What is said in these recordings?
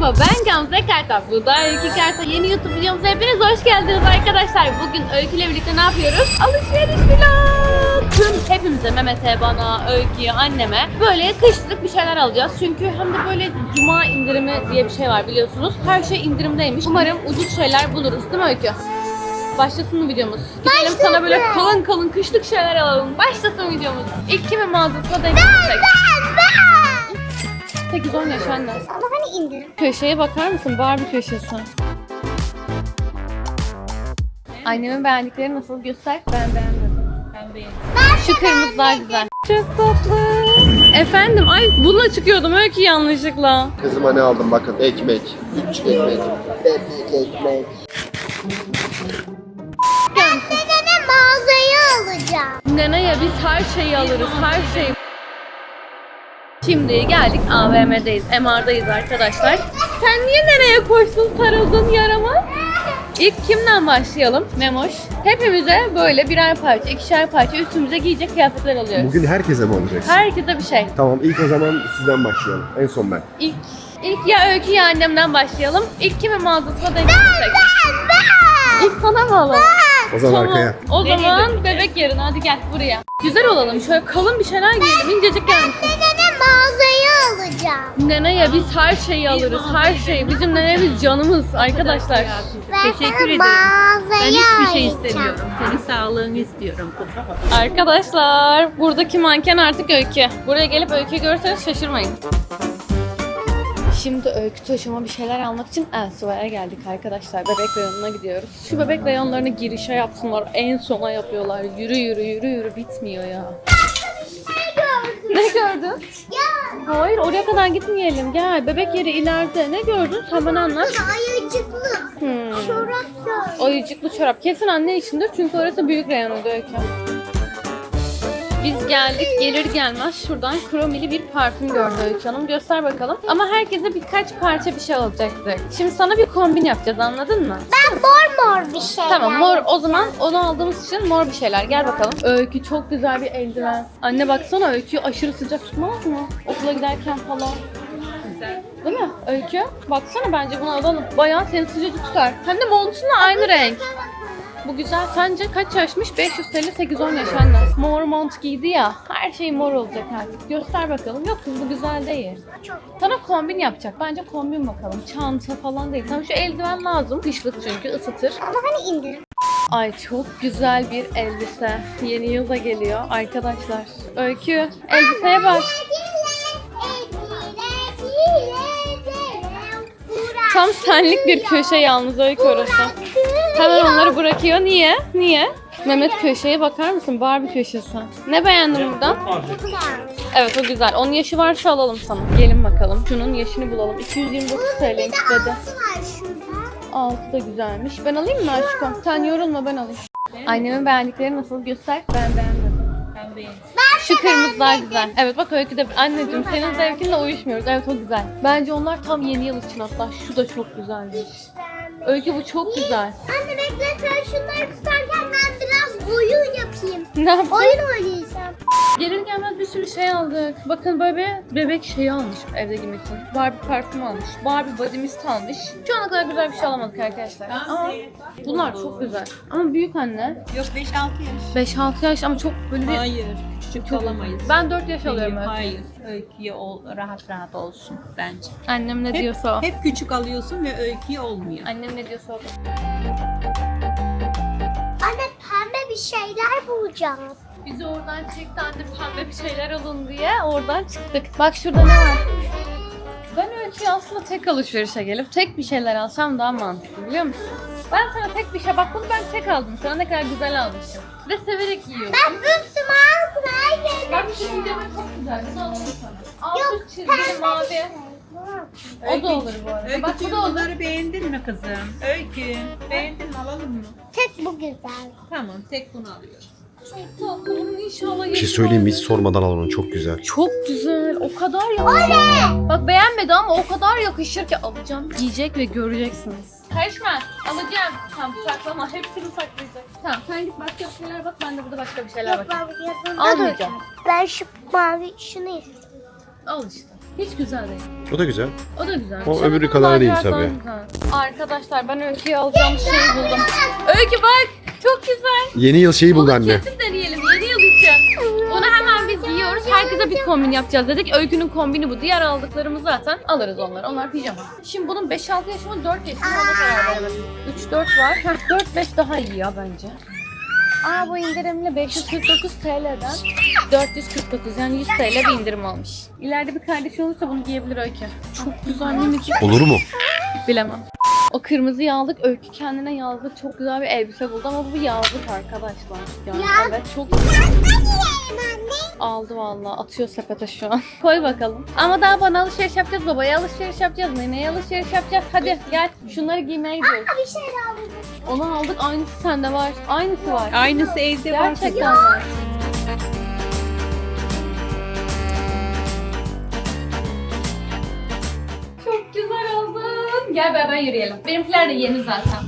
Merhaba, ben Gamze Kartal. Bu da Öykü Kartal. Yeni YouTube videomuza hepiniz hoş geldiniz arkadaşlar. Bugün Öykü ile birlikte ne yapıyoruz? Alışveriş vlog. Hepimize, Mehmet'e, bana, Öykü'ye, anneme böyle kışlık bir şeyler alacağız. Çünkü hem de böyle cuma indirimi diye bir şey var biliyorsunuz. Her şey indirimdeymiş. Umarım ucuz şeyler buluruz değil mi Öykü? Başlasın mı videomuz? Gidelim sana böyle kalın kalın kışlık şeyler alalım. Başlasın videomuz. İlk kimin mağazasına denk gitsek? 8-10 yaş anne. Ama hani indirim. Köşeye bakar mısın? Barbie köşesi. Annemin beğendikleri nasıl? Göster. Ben beğendim. Ben beğendim. Şu kırmızılar güzel. Çok tatlı. Efendim, ay bununla çıkıyordum Öykü yanlışlıkla. Kızıma ne aldım bakın, ekmek, 3 ekmek, ekmek. Dedeme mağazayı alacağım. Neneye biz her şeyi alırız, her şeyi. Şimdi geldik AVM'deyiz, MR'dayız arkadaşlar. Sen niye nereye koştun, sarıldın yarama? İlk kimden başlayalım? Memoş. Hepimize böyle birer parça, ikişer parça üstümüze giyecek kıyafetler alıyoruz. Bugün herkese mi olacaksın? Herkese bir şey. Tamam, ilk o zaman sizden başlayalım. En son ben. İlk ya Öykü ya annemden başlayalım. İlk kimin mağazasına denk gitsek? İlk sana mı alalım? O zaman Tamam. arkaya. O zaman bebek yerine hadi gel buraya. Güzel olalım. Şöyle kalın bir şeyler giyelim. İncecik gelmiş. Dedeme mağazayı alacağım. Neneye biz her şeyi alırız. Her şey. Bizim nenemiz canımız arkadaşlar. Ben Teşekkür sana ederim. mağazayı Ben hiçbir şey alacağım. istemiyorum. Senin sağlığını istiyorum kızım. Arkadaşlar buradaki manken artık Öykü. Buraya gelip Öykü'yü görürseniz şaşırmayın. Şimdi Öykü taşıma bir şeyler almak için Elsiva'ya geldik arkadaşlar. Bebek reyonuna gidiyoruz. Şu bebek reyonlarını girişe yapsınlar. En sona yapıyorlar. Yürü yürü yürü yürü bitmiyor ya. Ne gördün? Ya. Hayır oraya kadar gitmeyelim. Gel bebek yeri ileride. Ne gördün? Sen bana anlat. Ayıcıklı. Çorap da. Ayıcıklı çorap. Kesin anne içindir çünkü orası büyük reyonuydu Öykü. Biz geldik gelir gelmez şuradan kromili bir parfüm gördü Öykü Hanım. Göster bakalım. Ama herkese birkaç parça bir şey alacaktık. Şimdi sana bir kombin yapacağız anladın mı? Ben mor bir şey. Tamam mor o zaman onu aldığımız için mor bir şeyler. Gel bakalım. Öykü çok güzel bir eldiven. Anne baksana Öykü aşırı sıcak tutmaz mı? Okula giderken falan. Değil mi Öykü? Baksana bence bunu alalım. Bayağı seni sıcacık tutar. Hem de montunla aynı renk. Bu güzel. Sence kaç yaşmış? 500 TL 8-10 yaş anne. Mor mont giydi ya. Her şey mor olacak artık. Göster bakalım. Yok kız bu güzel değil. Sana kombin yapacak. Bence kombin bakalım. Çanta falan değil. Tamam şu eldiven lazım. Kışlık çünkü ısıtır. Ama hani indirim. Ay çok güzel bir elbise. Yeni yıl da geliyor arkadaşlar. Öykü elbiseye bak. Tam senlik bir köşe yalnız Öykü orası. Hemen onları bırakıyor. Niye? Niye? Mehmet köşeye bakar mısın? Barbie köşesi. Ne beğendin buradan? Evet o güzel. Onun yaşı varsa alalım sana. Gelin bakalım. Şunun yaşını bulalım. 229 TL istedi. Altı da güzelmiş. Ben alayım mı aşkım? Sen yorulma ben alayım. Annemin beğendikleri nasıl? Göster. Ben beğendim. Ben beğendim. Şu kırmızılar güzel. Evet bak Öykü de anneciğim senin zevkinle uyuşmuyoruz. Evet o güzel. Bence onlar tam yeni yıl için hatta. Şu da çok güzelmiş. Öykü bu çok güzel. Anne bekle sen şunları tutarken ben biraz oyun yapayım. Ne yaptın? Oyun oynayacağım. Gelir gelmez bir sürü şey aldık. Bakın böyle bir bebek şeyi almış evde giymek için. Barbie parfüm almış. Barbie body mist almış. Şu ana kadar güzel bir şey alamadık arkadaşlar. Ama bunlar çok güzel. Ama büyük anne. Yok 5-6 yaş. 5-6 yaş ama çok böyle bir... Hayır. Küçük alamayız. Ben 4 yaş alıyorum öyle. Hayır. Öyküye rahat rahat olsun bence. Annem ne Hep, diyorsa o. hep küçük alıyorsun ve öyküye olmuyor. Annem ne diyorsa o. Anne pembe bir şeyler bulacağız. Bizi oradan çekti anne pembe bir şeyler alın diye oradan çıktık. Bak şurada ne var? Ben Öykü'ye aslında tek alışverişe gelip tek bir şeyler alsam daha mantıklı biliyor musun? Ben sana tek bir şey bak bunu ben tek aldım. Sana ne kadar güzel almışım. Ve severek yiyorum. Ben üstüme altına Bak şu pijama çok güzel. Bunu alalım sana. Altı çizgili mavi. O da olur bu arada. Bak bu Öykücüğüm da olur. bunları beğendin mi kızım? Öykü. Beğendin mi alalım mı? Tek bu güzel. Tamam tek bunu alıyoruz. Çok tatlı. Bunun inşallah Bir şey söyleyeyim mi? Hiç sormadan al onu, çok güzel. Çok güzel. O kadar yakışır. Bak beğenmedi ama o kadar yakışır ki alacağım. Giyecek ve göreceksiniz. Karışma. Alacağım. Tamam saklama. Hepsini saklayacak. Tamam sen git başka bir şeyler bak. Ben de burada başka bir şeyler bakayım. Yanında Almayacağım. Ben şu mavi şunu istiyorum. Al işte. Hiç güzel değil. O da güzel. O da güzel. O Şöyle öbürü bir kadar değil lacivertten tabii. güzel. Arkadaşlar ben Öykü'ye alacağım şeyi buldum. Öykü bak çok güzel. Yeni yıl şeyi buldu Bunu anne. kesin deneyelim yeni yıl için. Bunu hemen biz giyiyoruz. Herkese bir kombin yapacağız dedik. Öykü'nün kombini bu. Diğer aldıklarımız zaten alırız onları. Onlar pijama. Şimdi bunun 5-6 yaşı mı 4 yaşı mı ona karar veremedim. 3-4 var. 4-5 daha iyi ya bence. Aa bu indirimli 549 TL'den 449 yani 100 TL bir indirim olmuş. İleride bir kardeşi olursa bunu giyebilir Öykü. Çok güzel minicik. Olur mu? Bilemem. O kırmızıyı aldık. Öykü kendine yazlık çok güzel bir elbise buldu ama bu yazlık arkadaşlar. Yani evet çok aldı vallahi. Atıyor sepete şu an. Koy bakalım. Ama daha bana alışveriş yapacağız. Babaya alışveriş yapacağız. Neneye alışveriş yapacağız. Hadi gel. Şunları giymeye gidiyoruz. Bir şey aldım. Onu aldık. Aynısı sende var. Aynısı var. Aynısı evde var. Gerçekten var. Çok güzel oldun. Gel beraber yürüyelim. Benimkiler de yeni zaten.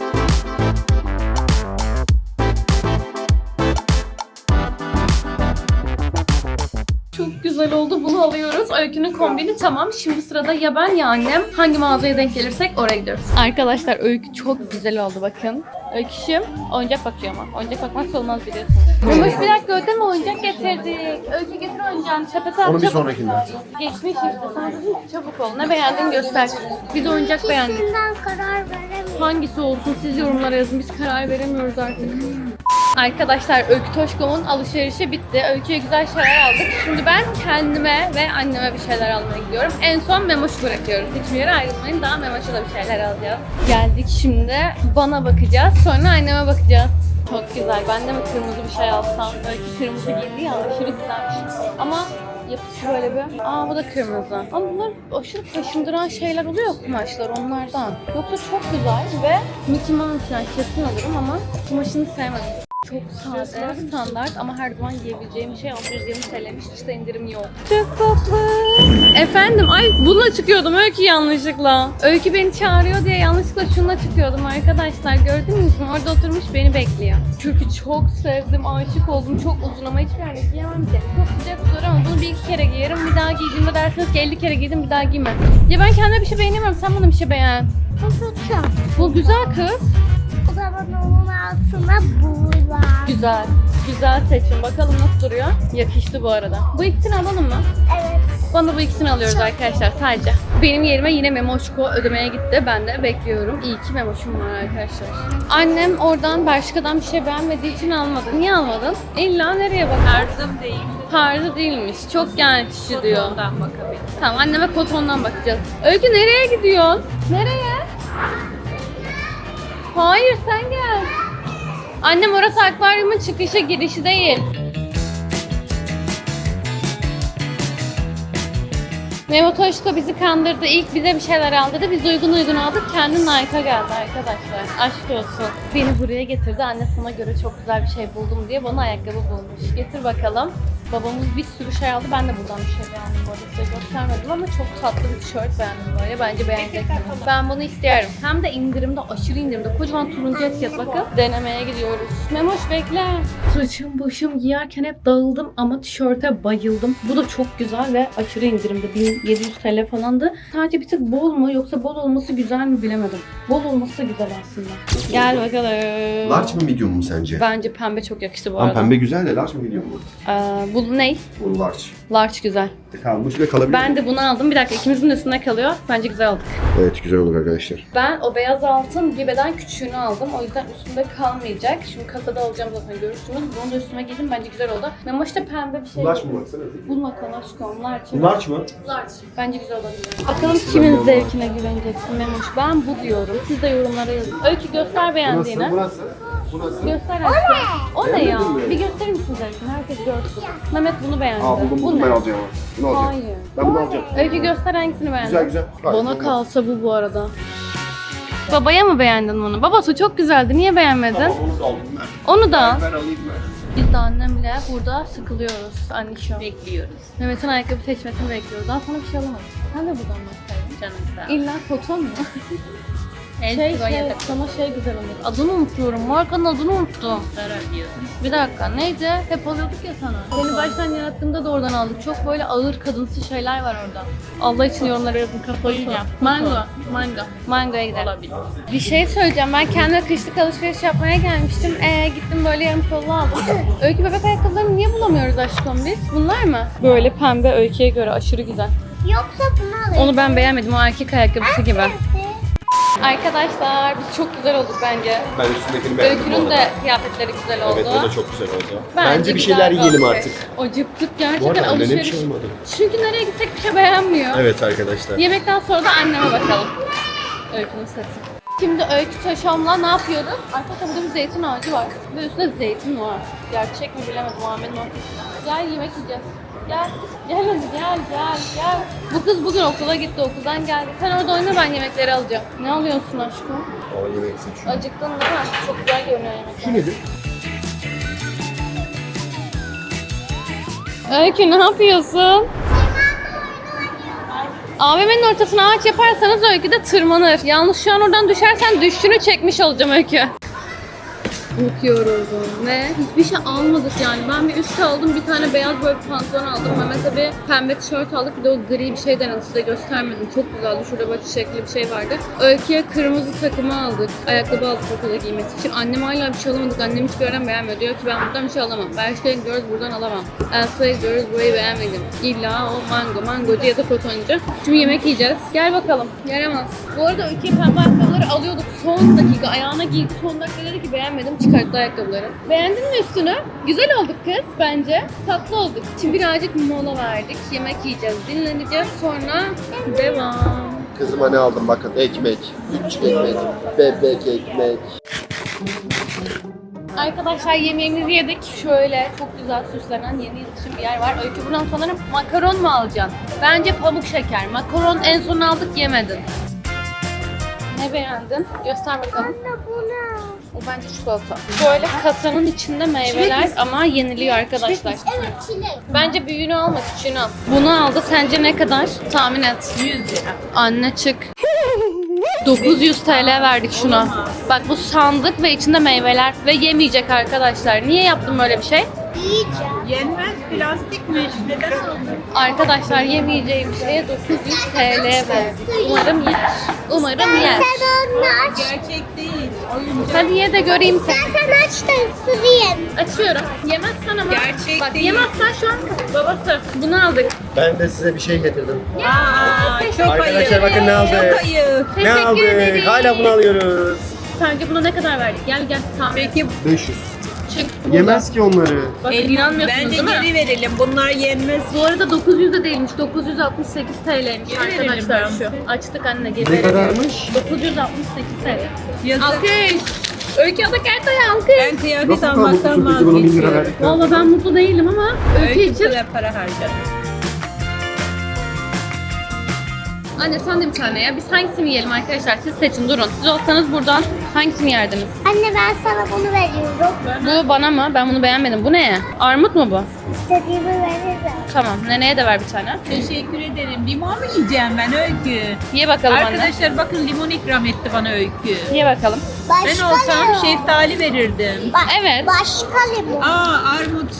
Çok güzel oldu. Bunu alıyoruz. Öykü'nün kombini tamam. Şimdi sırada ya ben ya annem. Hangi mağazaya denk gelirsek oraya gidiyoruz. Arkadaşlar Öykü çok güzel oldu bakın. Öyküşüm oyuncak bakıyor ama. Oyuncak bakmak olmaz biliyorsunuz. Memoş bir dakika ödeme oyuncak getirdik. Öykü getir oyuncağını sepete at. Onu bir çabuk. sonrakinde. Geçmiş işte. Sen dedin ki çabuk ol. Ne beğendin göster. Biz oyuncak beğendik. İkisinden karar veremiyorum. Hangisi olsun siz yorumlara yazın. Biz karar veremiyoruz artık. Arkadaşlar Öykü Toşkom'un alışverişi bitti. Öykü'ye güzel şeyler aldık. Şimdi ben kendime ve anneme bir şeyler almaya gidiyorum. En son Memoş'u bırakıyoruz. Hiçbir yere ayrılmayın. Daha Memoş'a da bir şeyler alacağız. Geldik şimdi. Bana bakacağız. Sonra anneme bakacağız. Çok güzel. Ben de mi kırmızı bir şey alsam? Öykü kırmızı giydi ya. Aşırı güzelmiş. Ama yapısı böyle bir. Aa bu da kırmızı. Ama bunlar aşırı kaşındıran şeyler oluyor kumaşlar onlardan. Yoksa çok güzel ve Mickey Mouse yani kesin alırım ama kumaşını sevmedim. Çok sade, standart ama her zaman giyebileceğim şey 620 TL'miş. İşte indirim yok. Çok tatlı. Efendim, ay bununla çıkıyordum Öykü yanlışlıkla. Öykü beni çağırıyor diye yanlışlıkla şununla çıkıyordum arkadaşlar. Gördünüz mü? Orada oturmuş beni bekliyor. Çünkü çok sevdim, aşık oldum. Çok uzun ama hiçbir yerde giyemem ki. Çok sıcak olur ama bunu bir iki kere giyerim. Bir daha giydiğimde dersiniz ki 50 kere giydim bir daha giymem. Ya ben kendime bir şey beğenemiyorum. Sen bana bir şey beğen. Bu güzel kız. O zaman onun altına bu var. Güzel. Güzel seçim. Bakalım nasıl duruyor. Yakıştı bu arada. Bu ikisini alalım mı? Evet. Bana bu ikisini alıyoruz arkadaşlar sadece. Benim yerime yine Memoşko ödemeye gitti. Ben de bekliyorum. İyi ki Memoş'um var arkadaşlar. Annem oradan Bershka'dan bir şey beğenmediği için almadı. Niye almadın? İlla nereye bakar? Tarzım değil. Tarzı değilmiş. Çok genççi diyor. Ondan bakabilirim. Tamam anneme kotondan bakacağız. Öykü nereye gidiyorsun? Nereye? Hayır sen gel. Annem orası akvaryumun çıkışı girişi değil. Memo Toşko bizi kandırdı. İlk bize bir şeyler aldırdı. Biz uygun aldık. Kendi Nike'a geldi arkadaşlar. Aşk olsun. Beni buraya getirdi. Anne sana göre çok güzel bir şey buldum diye bana ayakkabı bulmuş. Getir bakalım. Babamız bir sürü şey aldı. Ben de buradan bir şey beğendim. Bu arada size göstermedim ama çok tatlı bir tişört beğendim böyle. Bence beğeneceksiniz. Ben bunu istiyorum. Hem de indirimde, aşırı indirimde. Kocaman turuncu etiket bakın. Denemeye gidiyoruz. Memoş bekle. Saçım başım giyerken hep dağıldım ama tişörte bayıldım. Bu da çok güzel ve aşırı indirimde. 1700 TL falandı. Sadece bir tık bol mu yoksa bol olması güzel mi bilemedim. Bol olması da güzel aslında. Gel bakalım. Large mı medium mu sence? Bence pembe çok yakıştı bu Ama arada. pembe güzel de large mı medium mu? Bu ne? Bu large. Large güzel. Tamam bu üstüne kalabilir Ben mi? de bunu aldım. Bir dakika ikimizin üstünde kalıyor. Bence güzel oldu. Evet güzel olur arkadaşlar. Ben o beyaz altın bir beden küçüğünü aldım. O yüzden üstümde kalmayacak. Şimdi kasada alacağım zaten görürsünüz. Bunu da üstüme giydim. Bence güzel oldu. Memoş da pembe bir şey. Large mı baksana? Bulma kalaşkom. Large. Large mı? Large. Bence güzel olabilir. Bakalım kimin zevkine güveneceksin Memoş. Ben bu diyorum. Siz de yorumlara yazın. Öykü göster beğendiğini. Burası. Burası. Göster aşkım. O ne ya? Beğenmedin mi? Bir gösterir misin zevkini? Herkes görsün. Mehmet bunu beğendi. Aa buldum Bu buldum ne? ben alacağım ama. Bunu alacağım. Hayır. Ben bunu alacağım. Öykü göster hangisini beğendin. Güzel güzel. Gayet Bana güzel. kalsa bu arada. Babaya mı beğendin bunu? Babası çok güzeldi. Niye beğenmedin? Tamam onu da aldım ben. Onu da. Ben alayım ben. Biz de annemle burada sıkılıyoruz. Anne şu an. Bekliyoruz. Mehmet'in ayakkabı seçmesini bekliyoruz. Daha sonra bir şey alamadık. Sen de buradan baksaydın. Canım sağ ol. İlla koton mu? Sana şey güzel olur. Adını unutuyorum. Markanın adını unuttum. Zarar diyorsun. Bir dakika neydi? Hep alıyorduk ya sana. Seni baştan yarattığımda da oradan aldık. Çok böyle ağır kadınsı şeyler var orada. Allah için yorumlara yazın, kafayı yiyeceğim. Mango'ya gidelim. Olabilir. Bir şey söyleyeceğim. Ben kendime kışlık alışveriş yapmaya gelmiştim. Gittim böyle yarım kollu aldım. Öykü bebek ayakkabılarını niye bulamıyoruz aşkım biz? Bunlar mı? Böyle pembe Öykü'ye göre aşırı güzel. Yoksa bunu alayım. Onu ben beğenmedim. O erkek ayakkabısı gibi. Arkadaşlar biz çok güzel olduk bence. Ben üstündekini beğendim bu Öykünün arada. de kıyafetleri güzel oldu. Evet o da çok güzel oldu. güzel Bence bir şeyler bir yiyelim alışveriş. artık. Acıktık Bu gerçekten arada annene bir alışveriş. şey olmadı. Çünkü nereye gitsek bir şey beğenmiyor. Evet arkadaşlar. Yemekten sonra da anneme bakalım. Öykünün sesi. Şimdi Öykü Taşom'la ne yapıyoruz? Arkadaşlar burada bir zeytin ağacı var. Ve üstünde zeytin var. Gerçek mi bilemedim. Muhammed'in ortasında. Gel yemek yiyeceğiz. Gel. Gel hadi gel. Bu kız bugün okula gitti. Okuldan geldi. Sen orada oyna, ben yemekleri alacağım. Ne alıyorsun aşkım? O yemek seçiyor. Acıktın değil mi? Çok güzel görünüyor yemekler. Şu nedir? Öykü ne yapıyorsun? AVM'nin ortasına ağaç yaparsanız Öykü de tırmanır. Yalnız şu an oradan düşersen düştüğünü çekmiş olacağım Öykü. Bakıyoruz ve hiçbir şey almadık yani. Ben bir üst aldım, bir tane beyaz böyle bir pantolon aldım. Mehmet'e bir pembe tişört aldık, bir de o gri bir şey denedim, size göstermedim. Çok güzeldi, şurada böyle çiçekli bir şey vardı. Öykü'ye kırmızı takımı aldık. Ayakkabı aldık okula giymesi için. Annem hala bir şey alamadık, annem hiçbir yerden beğenmiyor. Diyor ki ben buradan bir şey alamam. Berşka'ya gidiyoruz, buradan alamam. Elsa'ya gidiyoruz, burayı beğenmedim. İlla o mangocu ya da kotoncu. Şimdi yemek yiyeceğiz. Gel bakalım, yaramaz. Bu arada Öykü'ye pembe ayakkabıları alıyorduk. Son dakika ayağına giydi. Son dakika dedi ki beğenmedim. Çıkarttı ayakkabıları. Beğendin mi üstünü? Güzel olduk kız bence. Tatlı olduk. Şimdi birazcık mola verdik. Yemek yiyeceğiz, dinleneceğiz. Sonra devam. Kızıma ne aldım bakın. Ekmek. 3 ekmek. Bebek ekmek. Arkadaşlar yemeğimizi yedik. Şöyle çok güzel süslenen yeni yıl için bir yer var. Öykü buradan sanırım makaron mu alacaksın? Bence pamuk şeker. Makaron en son aldık, yemedin. Ne beğendin? Göster bakalım. O bence çikolata. Böyle kasanın içinde meyveler ama yeniliyor arkadaşlar. Evet çilek. Bence büyüğünü alma, küçüğünü al. Bunu aldı. Sence ne kadar? Tahmin et. 100 lira. Anne çık. 900 TL verdik şuna. Bak bu sandık ve içinde meyveler ve yemeyecek arkadaşlar. Niye yaptım böyle bir şey? Yiyeceğim. Yenmez plastikmiş. Neden aldın? Arkadaşlar yemeyeceğim şeye 900 TL verdik. Umarım yer. Umarım yer. Sen onu aç. Gerçek değil. Oyuncak. Hadi ye de göreyim seni. Sen aç da ısırayım. Açıyorum. Yemezsen ama. Gerçek Bak değil. yemezsen şu an babası. Bunu aldık. Ben de size bir şey getirdim. Aa, çok Arkadaşlar ayıp. bakın ne aldık. Çok ayıp. Ne Teşekkür aldık? ederim. Hala bunu alıyoruz. Sence buna ne kadar verdik? Gel tamam. Peki 500. Çık. Yemez ki onları. Bakın inanmıyorsunuz bence değil mi? geri verelim. Bunlar yenmez. Bu arada 900 de değilmiş. 968 TL'ymiş Geri verelim arkadaşlar ben. şu. Açtık anne, geri Ne verelim. kadarmış? 968 TL. Yazık. Alkış. Öykü Adakerta'ya alkış. Ben kıyafet Nasıl almaktan kaldı bu 1000 lira vazgeçiyorum. verdik? Valla ben mutlu değilim ama Öykü Öykü için. kadar para harcadım. Anne sen de bir tane ya. Biz hangisini yiyelim arkadaşlar? Siz seçin, durun. Siz olsanız buradan hangisini yerdiniz? Anne ben sana bunu veriyorum. Bu bana mı? Ben bunu beğenmedim. Bu ne? Armut mu bu? İstediğimi veririm. Tamam. Neneye de ver bir tane. Teşekkür ederim. Limon mu yiyeceğim ben Öykü? Ye bakalım anne. Arkadaşlar bakın limon ikram etti bana Öykü. Ye bakalım. Ben Başka olsam limon. şeftali verirdim. Evet. Başka limon. Aa armut.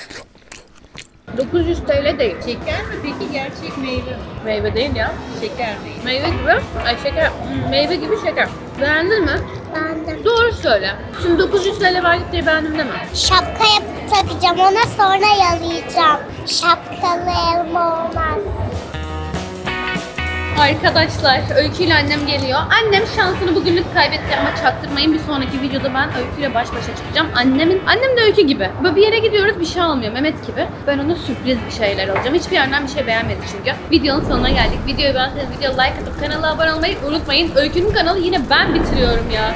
900 TL değil. Şeker mi peki gerçek meyve mi? Meyve değil ya. Şeker değil. Meyve gibi. Ay şeker. Meyve gibi şeker. Beğendin mi? Beğendim. Doğru söyle. Şimdi 900 TL verdik diye beğendim deme. Şapka yapıp takacağım ona sonra yalayacağım. Şapkalı elma olmaz. Arkadaşlar Öykü ile annem geliyor. Annem şansını bugünlük kaybetti ama çaktırmayın, bir sonraki videoda ben Öykü ile baş başa çıkacağım. Annem de Öykü gibi. Böyle bir yere gidiyoruz, bir şey almıyor Mehmet gibi. Ben ona sürpriz bir şeyler alacağım. Hiçbir yerden bir şey beğenmedi çünkü. Videonun sonuna geldik. Videoyu beğendiyseniz videoya like atıp kanala abone olmayı unutmayın. Öykü'nün kanalı yine ben bitiriyorum ya.